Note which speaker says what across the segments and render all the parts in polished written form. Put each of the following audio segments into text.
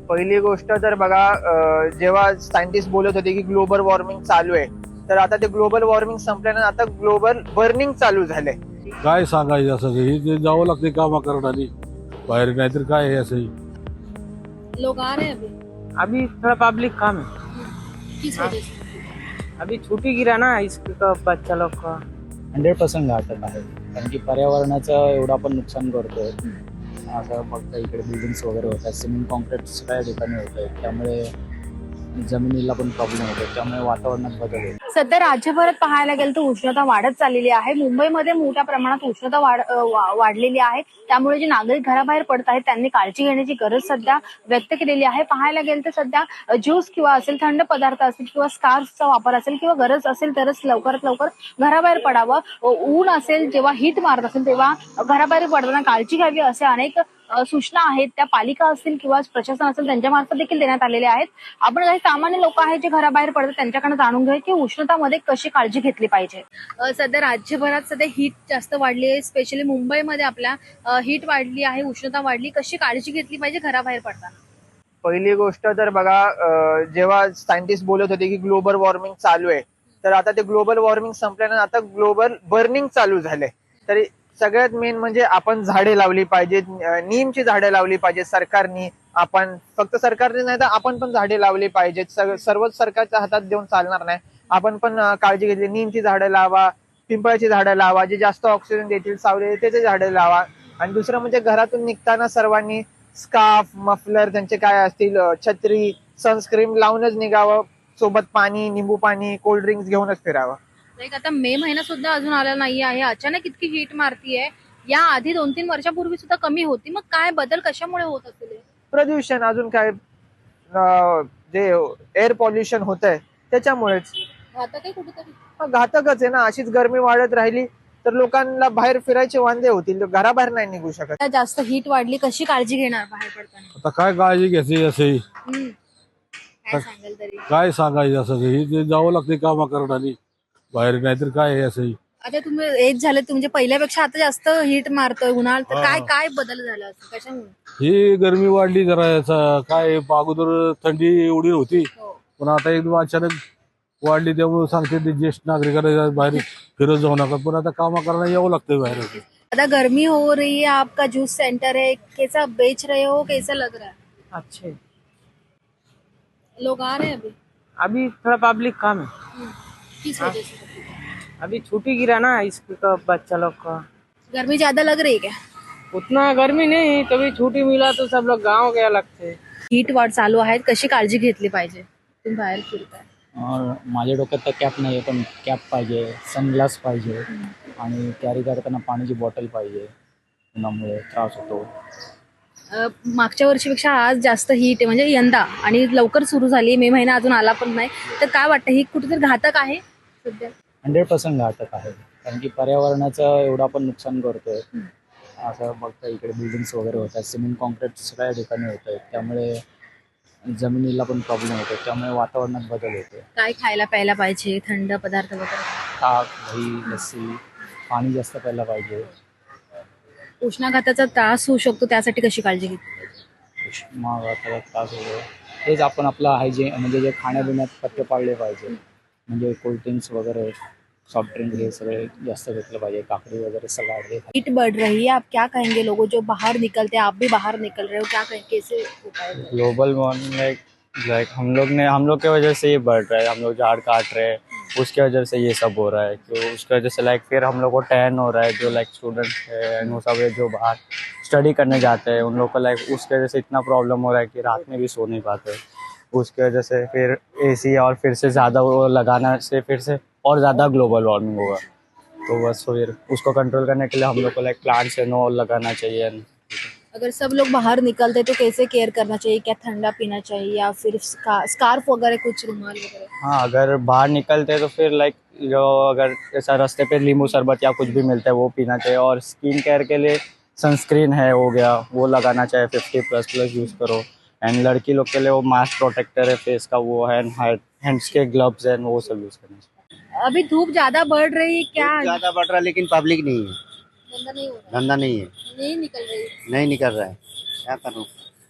Speaker 1: पहिली गोष्ट तर बघा, जेव्हा सायंटिस्ट बोलत होते की ग्लोबल वॉर्मिंग चालू आहे, तर आता ते ग्लोबल वॉर्मिंग संपल्यानंतर आता ग्लोबल बर्निंग चालू झालंय.
Speaker 2: काय सांगायचं असं हे ते जावं लागते कामा करणारी बाहेर, नाहीतर काय हे असं.
Speaker 3: लोग आ रहे हैं
Speaker 4: अभी थोड़ा पब्लिक कम है।
Speaker 3: किस
Speaker 4: हाँ।
Speaker 3: वजह से?
Speaker 4: अभी छुट्टी गिरा ना इसके तो बच्चा लोग का
Speaker 5: 100% घातक आहे, कारण की पर्यावरणाचं एवढं आपण नुकसान करतोय. आता फक्त इकडे बिल्डिंग्स वगैरे होतात, सिमेंट कॉन्क्रीट सगळ्या ठिकाणी होत आहे, त्यामुळे जमिनीला पण प्रॉब्लेम होतो, त्यामुळे वातावरणात बदल होतो.
Speaker 3: सध्या राज्यभरात पाहायला गेलं तर उष्णता वाढत चाललेली आहे. मुंबईमध्ये मोठ्या प्रमाणात उष्णता वाढलेली आहे. त्यामुळे जे नागरिक घराबाहेर पडत आहेत त्यांनी काळजी घेण्याची गरज सध्या व्यक्त केलेली आहे. पाहायला गेलं तर सध्या ज्यूस किंवा असेल, थंड पदार्थ असेल किंवा स्कार्फचा वापर असेल किंवा गरज असेल तरच लवकरात लवकर घराबाहेर पडावं. ऊन असेल, जेव्हा हीट मारत असेल तेव्हा घराबाहेर पडताना काळजी घ्यावी असे अनेक सूचना आहेत. त्या पालिका असतील किंवा प्रशासन असेल त्यांच्यामार्फत देखील देण्यात आलेल्या आहेत. आपण काही सामान्य लोक आहेत जे घराबाहेर पडतात त्यांच्याकडे जाणून घ्या की उष्णतामध्ये कशी काळजी घेतली पाहिजे. सध्या राज्यभरात सध्या हीट जास्त वाढली आहे. स्पेशली मुंबईमध्ये आपल्या हीट वाढली आहे, उष्णता वाढली. कशी काळजी घेतली पाहिजे घराबाहेर पडताना?
Speaker 1: पहिली गोष्ट तर बघा, जेव्हा सायंटिस्ट बोलत होते की ग्लोबल वॉर्मिंग चालू आहे, तर आता ते ग्लोबल वॉर्मिंग संपल्यानंतर आता ग्लोबल बर्निंग चालू झालंय. तर सगळ्यात मेन म्हणजे आपण झाडे लावली पाहिजेत, नीमची झाडे लावली पाहिजेत सरकारनी. आपण फक्त सरकारने नाही तर आपण पण झाडे लावली पाहिजेत. सर्वच सरकारच्या हातात देऊन चालणार नाही. आपण पण काळजी घेतली, नीमची झाडं लावा, पिंपळाची झाडं लावा, जे जास्त ऑक्सिजन देतील, सावली त्याचे झाडे लावा. आणि दुसरं म्हणजे घरातून निघताना सर्वांनी स्कार्फ, मफलर, त्यांचे काय असतील, छत्री, सनस्क्रीन लावूनच निघावं. सोबत पाणी, निंबू पाणी, कोल्ड्रिंक्स घेऊनच फिरावं.
Speaker 3: लाईक आता मे महिना सुद्धा अजून आला नाही आहे. अचानक इतकी हीट मारतीये. या आधी 2-3 वर्षापूर्वी सुद्धा कमी होती. मग काय बदल कशामुळे होत असेल?
Speaker 1: प्रदूषण, अजून काय, जे एअर पॉल्युशन होत आहे त्याच्यामुळेच.
Speaker 3: आता काही कुठेतरी
Speaker 1: घातकच आहे ना. अशीच गरमी वाढत राहिली तर लोकांना बाहेर फिरायचे वांदे होतील, घराबाहेर नाही निघू शकत.
Speaker 3: जास्त हीट वाढली, कशी काळजी घेणार बाहेर पडताना?
Speaker 2: आता काय काळजी घ्यायची असं
Speaker 3: काय सांगाल तरी?
Speaker 2: काय सांगायचं असं हे ते जावं लागते कामा करणारी बाहेर, नाहीतर काय हे असं.
Speaker 3: आता तुम्ही एज झाले तुमच्या पहिल्यापेक्षा आता जास्त हीट मारतोय उन्हाळ, तर काय काय बदल झाला असं कशामुळे?
Speaker 2: ही गरमी वाढली जरा, याचा काय अगोदर थंडी एवढी होती, पण आता एकदम अचानक वाढली, त्यामुळे सांगते ते ज्येष्ठ नागरिकांना बाहेर फिरत जाऊ नका, पण आता कामा करायला यावं लागतंय बाहेर.
Speaker 3: आता गर्मी हो रही है, आपका जूस सेंटर है, कैसा बेच रहे हो, कैसा लग रहा है?
Speaker 4: अच्छे।
Speaker 3: लोग आ रहे हैं
Speaker 4: अभी थोड़ा पब्लिक कम है।
Speaker 3: किस वजह से?
Speaker 4: अभी छुट्टी गिरा ना इसके तो बच्चा लोग का
Speaker 3: गर्मी ज्यादा लग रही है क्या?
Speaker 4: उतना गर्मी नहीं, तभी छुट्टी मिला तो सब लोग गाँव गया लगते।
Speaker 3: हीट वाढ चालू आहे, कशी काळजी घेतली पाहिजे? तुम्ही बाहेर फिरताय.
Speaker 5: माझ्या डोक्यात तर कॅप नाही आहे, पण कॅप पाहिजे, सनग्लास पाहिजे आणि कॅरी करताना पाण्याची बॉटल पाहिजे, उन्हामुळे त्रास होतो.
Speaker 3: मागच्या वर्षीपेक्षा आज जास्त हीट आहे म्हणजे यंदा, आणि लवकर सुरू झाली, मे महिना अजून आला पण नाही. तर काय वाटतं, ही कुठेतरी घातक आहे सध्या?
Speaker 5: 100% घातक आहे, कारण की पर्यावरणाचं एवढं आपण नुकसान करतोय. असं फक्त इकडे बिल्डिंग्स वगैरे होतात, सिमेंट कॉन्क्रीट सगळ्या ठिकाणी होत आहे, त्यामुळे जमिनीला पण प्रॉब्लेम होतो, त्यामुळे वातावरणात बदल होतो.
Speaker 3: काय खायला प्यायला पाहिजे, थंड पदार्थ वगैरे?
Speaker 5: ताक, दही, लस्सी, पाणी जास्त प्यायला पाहिजे.
Speaker 3: उष्माघाताचा त्रास होऊ शकतो, त्यासाठी कशी काळजी घेतली पाहिजे?
Speaker 5: उष्माघाताचा त्रास होतो, तेच आपण आपलं हायजीन म्हणजे जे खाण्यापिण्यात पथ्य पाळले पाहिजे, म्हणजे कोल्ड्रिंक्स वगैरे, सॉफ्ट ड्रिंक हे सगळे जास्त घेतलं पाहिजे, काकडी वगैरे सलाड हे.
Speaker 3: हीट बढ़ रही है, आप क्या कहेंगे लोगों जो बाहर निकलते हैं, आप भी बाहर निकल रहे हो, क्या कहें, कैसे उपाय?
Speaker 5: ग्लोबल वार्मिंग लाइक हम लोग के वजह से ये बढ़ रहा है, हम लोग झाड़ काट रहे हैं, उसके वजह से ये सब हो रहा है. तो उसकी वजह से लाइक फिर हम लोग को टैन हो रहा है, जो लाइक स्टूडेंट है एंड वो सब है जो बाहर स्टडी करने जाते हैं, उन लोग को लाइक उसकी वजह से इतना प्रॉब्लम हो रहा है कि रात में भी सो नहीं पाते. उसकी वजह से फिर एसी और फिर से ज़्यादा वो लगाना से फिर से और ज़्यादा ग्लोबल वार्मिंग होगा. तो बस फिर उसको कंट्रोल करने के लिए हम लोग को लाइक प्लांट्स एंड ऑल लगाना चाहिए.
Speaker 3: अगर सब लोग बाहर निकलते तो कैसे केयर करना चाहिए? क्या ठंडा पीना चाहिए या फिर स्कार्फ वगैरह, कुछ रुमाल वगैरह?
Speaker 5: हाँ, अगर बाहर निकलते हैं तो फिर लाइक जो अगर ऐसा रास्ते पे नींबू शरबत या कुछ भी मिलता है वो पीना चाहिए. और स्किन केयर के लिए सनस्क्रीन है हो गया, वो लगाना चाहिए, 50++ यूज़ करो. एंड लड़की लोग के लिए वो मास्क प्रोटेक्टर है फेस का, वो है, हैंड्स के ग्लव्स हैं, वो सब यूज़ करना चाहिए.
Speaker 3: अभी धूप ज्यादा बढ़ रही है क्या?
Speaker 6: ज्यादा बढ़ रहा है, लेकिन पब्लिक नहीं है,
Speaker 3: धंधा नहीं हो रहा,
Speaker 6: धंधा नहीं है,
Speaker 3: नहीं निकल रही.
Speaker 6: नहीं निकल रहा है, क्या करूँ.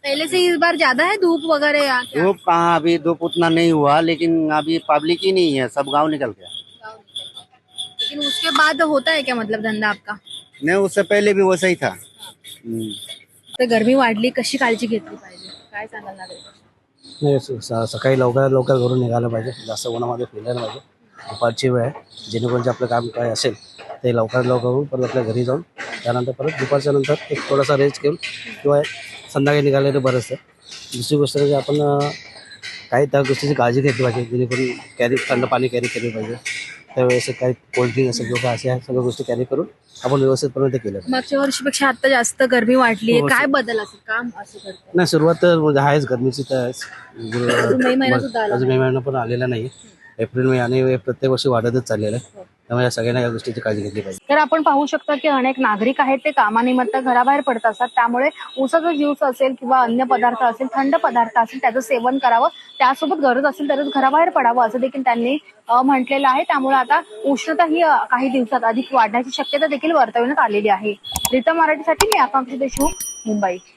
Speaker 3: पहले से इस बार ज्यादा है धूप वगैरह या क्या?
Speaker 6: धूप कहाँ, अभी धूप उतना नहीं हुआ, लेकिन अभी पब्लिक ही नहीं है, सब गांव निकल गया।
Speaker 3: लेकिन उसके बाद होता है क्या मतलब धंदा आपका?
Speaker 6: नहीं, उससे पहले भी वैसा ही था।
Speaker 3: तर गरमी वाढली, कशी काळजी घेतली पाहिजे, काय सांगाल नागरिकांना?
Speaker 7: नाही सकाळी लवकर लवकर घरून निघालं पाहिजे, जास्त उन्हामध्ये फिरायला पाहिजे. दुपारची वेळ आहे, जेणेकरून जे आपलं काम काय असेल ते लवकर लवकर होऊन परत आपल्या घरी जाऊन त्यानंतर परत दुपारच्या नंतर एक थोडासा रेस्ट घेऊन किंवा संध्याकाळी निघाले तर बरंच आहे. दुसरी गोष्ट म्हणजे आपण काही त्या गोष्टीची काळजी घेतली पाहिजे, जेणेकरून कॅरी थंड पाणी कॅरी केली पाहिजे. त्यावेळेस काही कोल्ड्रिंक असेल किंवा अशा सगळ्या गोष्टी कॅरी करून आपण व्यवस्थितपणे ते केलं पाहिजे.
Speaker 3: मागच्या वर्षीपेक्षा आता जास्त गरमी वाढली आहे,
Speaker 7: हो,
Speaker 3: काय बदल असेल, काम असं करतं?
Speaker 7: नाही, सुरुवात तर म्हणजे आहेच गरमीची तर आहेच.
Speaker 3: अजून मे महिना सुद्धा आला
Speaker 7: अजून मे महिना पण आलेला नाही. एप्रिल मे आणि प्रत्येक वर्षी वाढतच चाललेलं आहे. त्यामुळे या सगळ्यांना या गोष्टीची काळजी घेतली पाहिजे.
Speaker 3: तर आपण पाहू शकता की अनेक नागरिक आहेत ते कामानिमित्त घराबाहेर पडत असतात, त्यामुळे ऊसाचा ज्यूस असेल किंवा अन्य पदार्थ असेल, थंड पदार्थ असेल त्याचं सेवन करावं, त्यासोबत गरज असेल तरच घराबाहेर पडावं असं देखील त्यांनी म्हटलेलं आहे. त्यामुळे आता उष्णता ही काही दिवसात अधिक वाढण्याची शक्यता देखील वर्तवण्यात आलेली आहे. रिता मराठीसाठी मी आकांक्षा देशमुख, मुंबई.